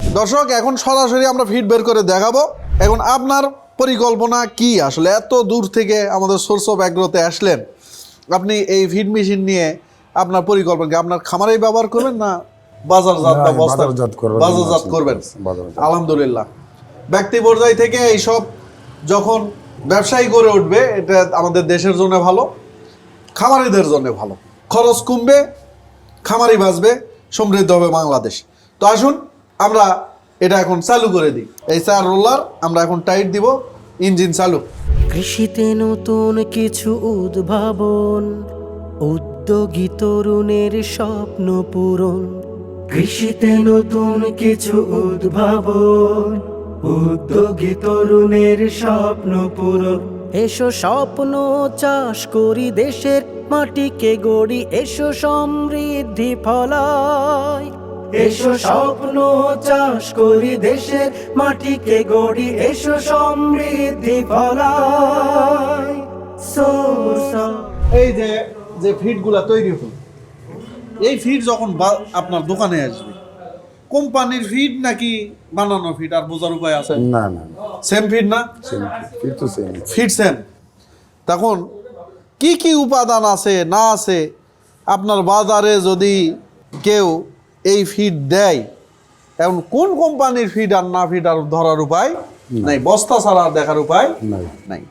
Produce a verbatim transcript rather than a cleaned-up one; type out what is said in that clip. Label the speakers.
Speaker 1: দর্শক এখন সরাসরি আমরা ফিড বের করে দেখাবো। এখন আপনার পরিকল্পনা কি? আসলে এত দূর থেকে আমাদের সোর্স অফ অ্যাগ্রোতে আসলেন, আপনি এই ফিড মেশিন নিয়ে আপনার পরিকল্পনা কি? আপনার খামারেই ব্যবহার করবেন না বাজারজাত
Speaker 2: না,
Speaker 1: ব্যবস্থা
Speaker 2: বাজারজাত করবেন।
Speaker 1: বাজারজাত করবেন?
Speaker 2: বাজারজাত।
Speaker 1: আলহামদুলিল্লাহ, ব্যক্তি পর্যায় থেকে এইসব যখন ব্যবসায়ী করে উঠবে, এটা আমাদের দেশের জন্য ভালো, খামারিদের জন্য ভালো। খরচ কমবে, খামারি বাঁচবে, সমৃদ্ধ হবে বাংলাদেশ। তো আসুন আমরা এটা এখন চালু করে দিই। এই চার রোলার আমরা এখন টাইট দিব, ইঞ্জিন চালু।
Speaker 3: কৃষিতে নতুন কিছু উদ্ভাবন, উদ্যোগী তরুণের স্বপ্ন পূরণ। কৃষিতে নতুন কিছু উদ্ভাবন, উদ্যোগী তরুণের স্বপ্ন পূরণ। এসো স্বপ্ন চাষ করি, দেশের মাটিকে গড়ি, এসো সমৃদ্ধি ফলায়। এসো স্বপ্ন চাষ করি, দেশের মাটিকে গড়ি, এসো সমৃদ্ধি ফলায়। সোর্স অফ-
Speaker 1: এই যে যে ফিডগুলা তৈরি হল, এই ফিড যখন বা- আপনার দোকানে আসবে, কোম্পানির ফিড নাকি বানানো ফিড? আর বোঝার উপায় আছে?
Speaker 2: না না
Speaker 1: সেম ফিড না?
Speaker 2: ফিট তো সেম।
Speaker 1: Feed same. তখন কি কি উপাদান আছে না আছে, আপনার বাজারে যদি কেউ এই ফিড দেয়, এখন কোন কোম্পানির ফিড আর না ফিড আর ধরার উপায় নাই, বস্তা ছাড়া আর দেখার উপায়
Speaker 2: নাই।
Speaker 1: নাই।